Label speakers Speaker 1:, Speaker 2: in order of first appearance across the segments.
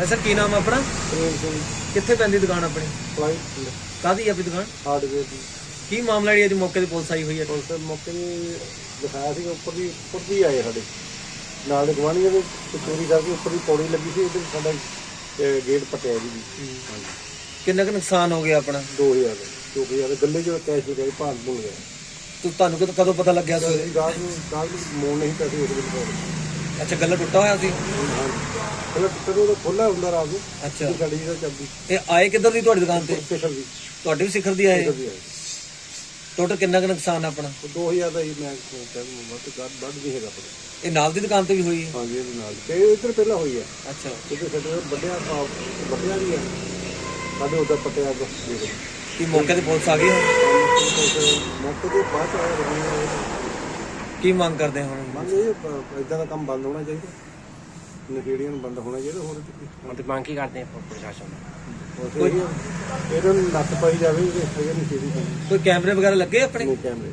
Speaker 1: Sir ਕੀ ਨਾਮ ਆਪਣਾ?
Speaker 2: ਪ੍ਰੇਮ ਸਿੰਘ
Speaker 1: ਕਿੱਥੇ ਪੈਂਦੀ ਦੁਕਾਨ ਆਪਣੀ?
Speaker 2: ਫਲਾਈਟ
Speaker 1: ਕਾਹਦੀ ਆਪਣੀ ਦੁਕਾਨ?
Speaker 2: ਹਾਰਡਵੇਅਰ ਦੀ।
Speaker 1: ਕੀ ਮਾਮਲਾ ਜਿਹੜੀ ਅੱਜ ਮੌਕੇ ਤੇ ਪੁਲਿਸ ਆਈ ਹੋਈ ਹੈ?
Speaker 2: ਪੁਲਿਸ ਮੌਕੇ ਤੇ ਦਿਖਾਇਆ ਸੀ ਉੱਪਰ ਦੀ ਆਏ ਸਾਡੇ ਨਾਲ ਦੇ ਗਵਾਂਢੀਆਂ ਦੇ ਚੋਰੀ ਕਰਕੇ ਉੱਪਰ ਦੀ ਪੌੜੀ ਲੱਗੀ ਸੀ, ਉਹਦੇ ਸਾਡਾ ਗੇਟ ਪਟਿਆ ਜੀ।
Speaker 1: ਕਿੰਨਾ ਕੁ ਨੁਕਸਾਨ ਹੋ ਗਿਆ ਆਪਣਾ?
Speaker 2: 2000 ਗੱਲੇ ਚ ਕੈਸ਼ ਹੋ ਗਿਆ, ਭਾਂਜ ਭੁੱਲ ਗਿਆ।
Speaker 1: ਤੁਹਾਨੂੰ ਕਦੋਂ ਪਤਾ ਲੱਗਿਆ ਸਵੇਰੇ?
Speaker 2: ਰਾਤ ਨੂੰ ਮੋੜ ਨਹੀਂ ਪੈਸੇ ਉਸ ਵੇਲੇ।
Speaker 1: ਅੱਛਾ, ਗੱਲਾ ਟੁੱਟਾ ਹੋਇਆ ਸੀ?
Speaker 2: ਕਦੋਂ ਦਾ ਖੋਲਾ ਹੁੰਦਾ ਰਾਤ ਨੂੰ।
Speaker 1: ਅੱਛਾ,
Speaker 2: ਗਾੜੀ ਦਾ ਚੱਲਦੀ।
Speaker 1: ਇਹ ਆਏ ਕਿੱਧਰ ਦੀ ਤੁਹਾਡੀ ਦੁਕਾਨ ਤੇ?
Speaker 2: ਸਿਖਰ ਦੀ।
Speaker 1: ਤੁਹਾਡੇ ਵੀ ਸਿਖਰ ਦੀ ਆਏ? ਟੋਟਲ ਕਿੰਨਾ ਕੁ ਨੁਕਸਾਨ ਆਪਣਾ?
Speaker 2: 2000 ਦਾ ਹੀ ਮੈਂ ਕਹਿੰਦਾ ਵੱਧ ਵੀ ਹੈਗਾ।
Speaker 1: ਇਹ ਨਾਲ ਦੀ ਦੁਕਾਨ ਤੇ ਵੀ ਹੋਈ ਹੈ?
Speaker 2: ਹਾਂਜੀ, ਇਹਦੇ ਨਾਲ ਤੇ ਇੱਧਰ ਪਹਿਲਾਂ ਹੋਈ ਹੈ।
Speaker 1: ਅੱਛਾ,
Speaker 2: ਕਿਤੇ ਸਾਡੇ ਵੱਡਿਆ ਵੀ ਹੈ ਸਾਡੇ ਉਧਰ ਪਟਿਆ ਤੋਂ।
Speaker 1: ਕੀ ਮੌਕੇ ਤੇ ਪੁਲਿਸ ਆ ਗਈ ਹੈ?
Speaker 2: ਮੌਕੇ ਤੇ ਬਾਅਦ ਚ ਆਏ।
Speaker 1: ਕੀ ਮੰਗ ਕਰਦੇ ਹੁਣ?
Speaker 2: ਮੰਗ ਇਹ ਇਦਾਂ ਦਾ ਕੰਮ ਬੰਦ ਹੋਣਾ ਚਾਹੀਦਾ, ਨਸ਼ੇੜੀਆਂ ਨੂੰ ਬੰਦ ਹੋਣਾ ਚਾਹੀਦਾ। ਹੋਰ
Speaker 3: ਤੇ ਮੰਗ ਕੀ ਕਰਦੇ ਆ ਪ੍ਰਸ਼ਾਸਨ
Speaker 2: ਕੋਈ ਇਹਨਾਂ ਨੂੰ ਨੱਥ ਪਾਈ ਜਾਵੇ ਕਿ ਹੈਗੇ ਨਸ਼ੇੜੀ ਬੰਦੇ।
Speaker 1: ਕੋਈ ਕੈਮਰੇ ਵਗੈਰਾ ਲੱਗੇ ਆਪਣੇ?
Speaker 2: ਨਹੀਂ ਕੈਮਰੇ।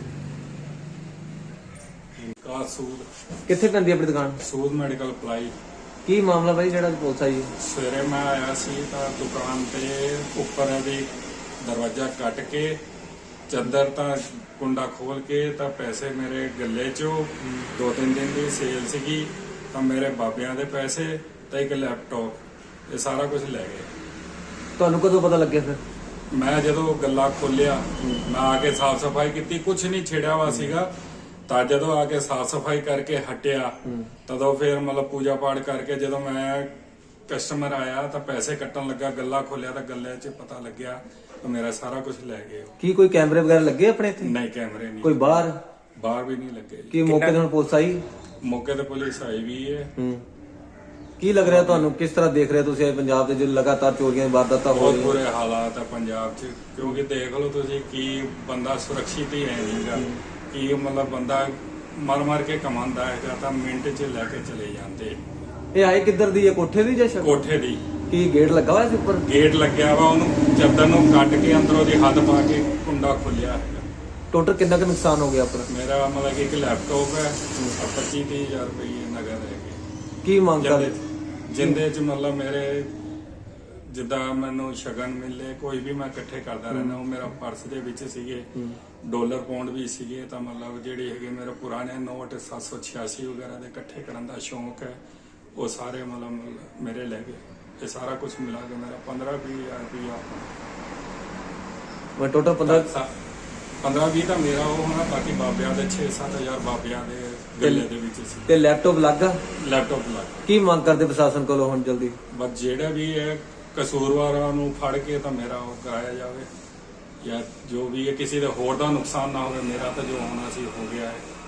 Speaker 4: ਸੂਦ
Speaker 1: ਕਿੱਥੇ ਪੈਂਦੀ ਆਪਣੀ ਦੁਕਾਨ?
Speaker 4: Sood medical apply.
Speaker 1: ਕੀ ਮਾਮਲਾ ਬਾਈ ਜਿਹੜਾ ਪੁਲਿਸ ਆਈ ਹੈ?
Speaker 4: ਸਵੇਰੇ ਮੈਂ ਆਇਆ ਸੀ ਤਾਂ ਦੁਕਾਨ ਤੇ ਉੱਪਰ ਦੀ ਦਰਵਾਜ਼ਾ ਕੱਟ ਕੇ ਚੰਦਰ ਤਾਂ ਕੁੰਡਾ ਖੋਲ ਕੇ ਤਾਂ ਪੈਸੇ ਮੇਰੇ ਗੱਲੇ 'ਚੋਂ 2-3 ਦਿਨ ਦੀ ਸੇਲ ਸੀਗੀ ਤਾਂ ਮੇਰੇ ਬਾਬਿਆਂ ਦੇ ਪੈਸੇ ਤਾਂ ਇੱਕ ਲੈਪਟਾਪ, ਇਹ ਸਾਰਾ ਕੁਝ ਲੈ ਗਏ।
Speaker 1: ਤੁਹਾਨੂੰ ਕਦੋਂ ਪਤਾ ਲੱਗਿਆ ਫਿਰ?
Speaker 4: ਮੈਂ ਜਦੋਂ ਗੱਲਾ ਖੋਲਿਆ ਮੈਂ ਆ ਕੇ ਸਾਫ਼ ਸਫਾਈ ਕੀਤੀ, ਕੁਝ ਨਹੀਂ ਛੇੜਿਆ ਵਾ ਸੀਗਾ। ਤਾਂ ਜਦੋਂ ਆ ਕੇ ਸਾਫ਼ ਸਫਾਈ ਕਰਕੇ ਹਟਿਆ ਤਦੋਂ ਫਿਰ ਮਤਲਬ ਪੂਜਾ ਪਾਠ ਕਰਕੇ ਜਦੋਂ ਮੈਂ ਕਸਟਮਰ ਆਇਆ ਤਾਂ ਪੈਸੇ ਕੱਟਣ ਲੱਗਾ, ਗੱਲਾ ਖੋਲਿਆ ਤਾਂ ਗੱਲੇ 'ਚ ਪਤਾ ਲੱਗਿਆ ਤਾਂ ਮੇਰਾ ਸਾਰਾ ਕੁਝ ਲੈ ਗਏ।
Speaker 1: ਕੀ ਕੋਈ ਕੈਮਰੇ ਵਗੈਰਾ ਲੱਗੇ ਆਪਣੇ ਇੱਥੇ?
Speaker 4: ਨਹੀਂ, ਕੈਮਰੇ ਨਹੀਂ।
Speaker 1: ਕੋਈ ਬਾਹਰ
Speaker 4: ਵੀ ਨਹੀਂ ਲੱਗੇ।
Speaker 1: ਕੀ ਮੌਕੇ ਤੇ ਹੁਣ ਪੁਲਿਸ ਆਈ?
Speaker 4: ਮੌਕੇ ਤੇ ਪੁਲਿਸ ਆਈ ਵੀ ਹੈ।
Speaker 1: ਕੀ ਲੱਗ ਰਿਹਾ ਤੁਹਾਨੂੰ? ਕਿਸ ਤਰ੍ਹਾਂ ਦੇਖ ਰਹੇ ਤੁਸੀਂ ਪੰਜਾਬ ਦੇ ਜੋ ਲਗਾਤਾਰ ਚੋਰੀਆਂ ਦੀ ਵਾਰਦਾਤਾਂ ਹੋ
Speaker 4: ਬਹੁਤ
Speaker 1: ਰਹੀਆਂ?
Speaker 4: ਬੁਰੇ ਹਾਲਾਤ ਆ ਪੰਜਾਬ 'ਚ, ਕਿਉਂਕਿ ਦੇਖ ਲਓ ਤੁਸੀਂ ਕੀ ਬੰਦਾ ਸੁਰੱਖਿਅਤ ਹੀ ਹੈ ਨਹੀਂਗਾ। ਕੀ ਮਤਲਬ ਬੰਦਾ ਮਰ ਕੇ ਕਮਾਉਂਦਾ ਹੈਗਾ ਤਾਂ ਮਿੰਟ 'ਚ ਲੈ ਕੇ ਚਲੇ ਜਾਂਦੇ।
Speaker 1: ਇਹ ਆਏ ਕਿੱਧਰ ਦੀ ਹੈ? ਕੋਠੇ ਦੀ ਜਾਂ ਛੱਤ?
Speaker 4: ਕੋਠੇ ਦੀ।
Speaker 1: ਕੀ ਗੇਟ ਲੱਗਾ ਹੋਇਆ ਸੀ ਉੱਪਰ?
Speaker 4: ਗੇਟ ਲੱਗਿਆ ਵਾ, ਉਹਨੂੰ ਚੱਦਰ ਨੂੰ ਕੱਟ ਕੇ ਅੰਦਰੋਂ ਦੀ ਹੱਥ ਪਾ ਕੇ ਕੁੰਡਾ ਖੋਲਿਆ ਹੈਗਾ।
Speaker 1: ਟੋਟਲ ਕਿੰਨਾ ਕੁ ਨੁਕਸਾਨ ਹੋ ਗਿਆ ਆਪਣਾ?
Speaker 4: ਮੇਰਾ ਮਤਲਬ ਕਿ ਇੱਕ ਲੈਪਟਾਪ ਹੈ, 25-30 ਹਜ਼ਾਰ ਰੁਪਏ ਨਗਦ ਹੈਗੇ।
Speaker 1: ਕੀ ਮੰਗ ਕਰਦੇ?
Speaker 4: ਜਿੰਦੇ 'ਚ ਮਤਲਬ ਮੇਰੇ ਜਿੱਦਾਂ ਮੈਨੂੰ ਸ਼ਗਨ ਮਿਲੇ ਕੋਈ ਵੀ ਮੈਂ ਇਕੱਠੇ ਕਰਦਾ ਰਹਿੰਦਾ। ਉਹ ਮੇਰਾ ਪਰਸ ਦੇ ਵਿੱਚ ਸੀਗੇ ਡਾਲਰ ਪਾਉਂਡ ਵੀ ਸੀਗੇ ਤਾਂ ਮਤਲਬ ਜਿਹੜੇ ਹੈਗੇ ਮੇਰੇ ਪੁਰਾਣੇ ਨੋਟ 786 ਵਗੈਰਾ ਦੇ ਇਕੱਠੇ ਕਰਨ ਦਾ ਸ਼ੌਂਕ ਹੈ, ਉਹ ਸਾਰੇ ਮਤਲਬ ਮੇਰੇ ਲੈ ਗਏ। ਇਹ ਸਾਰਾ ਕੁਝ ਮਿਲਾ ਕੇ ਮੇਰਾ 15-20 ਹਜ਼ਾਰ ਰੁਪਇਆ।
Speaker 1: ਮੈਂ ਟੋਟਲ
Speaker 4: 15-20 ਤਾਂ ਮੇਰਾ ਉਹ ਹੋਣਾ, ਬਾਕੀ ਬਾਬਿਆਂ ਦੇ 6-7 ਹਜ਼ਾਰ ਬਾਬਿਆਂ ਦੇ ਗੱਲੇ ਦੇ ਵਿੱਚ ਸੀ।
Speaker 1: ਤੇ ਲੈਪਟਾਪ ਲੱਗਾ?
Speaker 4: ਲੈਪਟਾਪ ਲੱਗ।
Speaker 1: ਕੀ ਮੰਗ ਕਰਦੇ ਪ੍ਰਸ਼ਾਸਨ ਕੋਲੋਂ ਹੁਣ ਜਲਦੀ?
Speaker 4: ਬਸ ਜਿਹੜਾ ਵੀ ਹੈ ਕਸੂਰਵਾਰਾਂ ਨੂੰ ਫੜ ਕੇ ਤਾਂ ਮੇਰਾ ਉਹ ਕਰਾਇਆ ਜਾਵੇ, ਜਾਂ ਜੋ ਵੀ ਹੈ ਕਿਸੇ ਦੇ ਹੋਰ ਦਾ ਨੁਕਸਾਨ ਨਾ ਹੋਵੇ। ਮੇਰਾ ਤਾਂ ਜੋ ਹੋਣਾ ਸੀ ਹੋ ਗਿਆ ਹੈ।